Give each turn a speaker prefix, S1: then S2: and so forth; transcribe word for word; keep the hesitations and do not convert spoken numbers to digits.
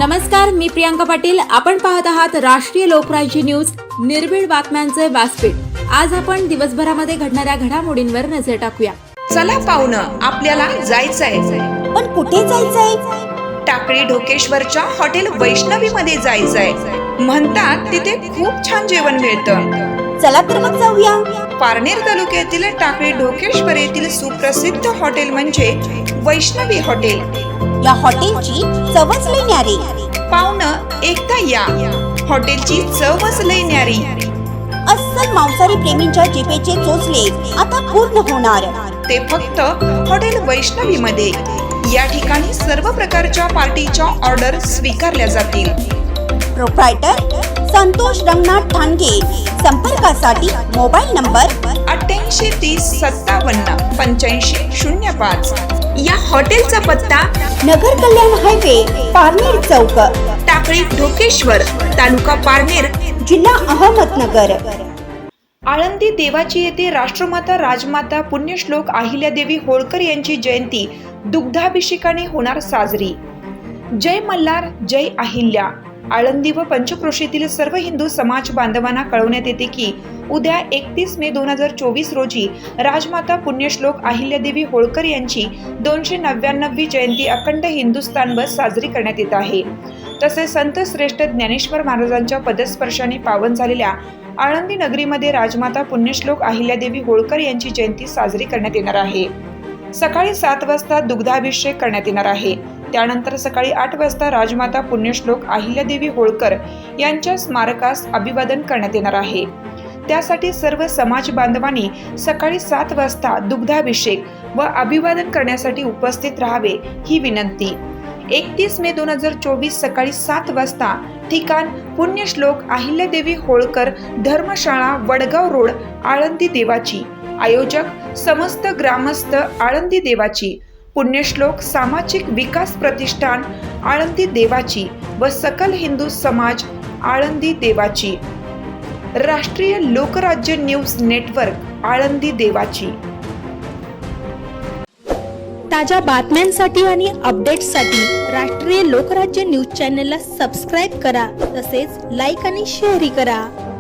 S1: नमस्कार, मी प्रियांका पाटील. आपण पाहत आहात राष्ट्रीय लोकराज्य न्यूज, निर्भीड बातम्यांचे व्यासपीठ. आज आपण दिवसभरामध्ये घडणाऱ्या घडामोडींवर नजर टाकूया.
S2: चला पाहुणं, आपल्याला जायचंय.
S3: पण कुठे जायचंय?
S2: टाकळी ढोकेश्वरच्या हॉटेल वैष्णवी मध्ये जायचंय. म्हणतात तिथे खूप छान जेवण मिळतं.
S3: चला तर मग जाऊया.
S2: पारनेर तालुक्यातील टाकळी ढोकेश्वर येथील सुप्रसिद्ध हॉटेल म्हणजे वैष्णवी हॉटेल.
S3: या हॉटेलची चवच लई न्यारी.
S2: पाहुणं, एकदा या. हॉटेलची चवच लई न्यारी.
S3: अस्सल मांसाहारी प्रेमींच्या जिभेचे चोचले आता पूर्ण होणार.
S2: ते फक्त हॉटेल वैष्णवी मध्ये. या ठिकाणी सर्व प्रकारच्या पार्टीच्या ऑर्डर स्वीकारल्या जातील.
S3: प्रोप्रायटर संतोष रंगनाथ ठाणगे. संपर्कासाठी मोबाईल नंबर
S2: अठ्ठ्याऐंशी तीस सत्तावन्न पंच्याऐंशी शून्य पाच. या हॉटेलचा पत्ता
S3: नगर कल्याण हायवे, पारनेर चौक,
S2: टाकळी ढोकेश्वर, तालुका पारनेर,
S3: जिल्हा अहमदनगर.
S2: आळंदी देवाची येथे राष्ट्रमाता राजमाता पुण्यश्लोक अहिल्यादेवी होळकर यांची जयंती दुग्धाभिषेकाने होणार साजरी. जय मल्हार, जय अहिल्या. आळंदी व पंचक्रोशीतील सर्व हिंदू समाज बांधवांना कळवण्यात येते की उद्या एकतीस मे दोन हजार चोवीस रोजी राजमाता पुण्यश्लोक अहिल्यादेवी होळकर यांची दोनशे नव्याण्णवी जयंती अखंड हिंदुस्थानभर साजरी करण्यात येत आहे. तसेच संत श्रेष्ठ ज्ञानेश्वर महाराजांच्या पदस्पर्शाने पावन झालेल्या आळंदी नगरीमध्ये राजमाता पुण्यश्लोक अहिल्यादेवी होळकर यांची जयंती साजरी करण्यात येणार आहे. सकाळी सात वाजता दुग्धाभिषेक करण्यात येणार आहे. त्यानंतर सकाळी आठ वाजता राजमाता पुण्यश्लोक अहिल्यादेवी होळकर यांच्या स्मारकास अभिवादन करण्यात येणार आहे. त्यासाठी सर्व समाज बांधवांनी सकाळी सात वाजता दुग्धाभिषेक व अभिवादन करण्यासाठी उपस्थित राहावे ही विनंती. एकतीस मे दोन हजार चोवीस सकाळी सात वाजता. ठिकाण पुण्यश्लोक अहिल्यादेवी होळकर धर्मशाळा, वडगाव रोड, आळंदी देवाची. आयोजक समस्त ग्रामस्थ आळंदी देवाची. पुण्यश्लोक सामाजिक विकास प्रतिष्ठान आळंदी देवाची व सकल हिंदू समाज आळंदी देवाची. राष्ट्रीय लोकराज्य न्यूज नेटवर्क आळंदी देवाची.
S4: ताज्या बातम्यांसाठी आणि अपडेट्ससाठी राष्ट्रीय लोकराज्य न्यूज चॅनलला सबस्क्राईब करा. तसेच लाईक आणि शेअरही करा.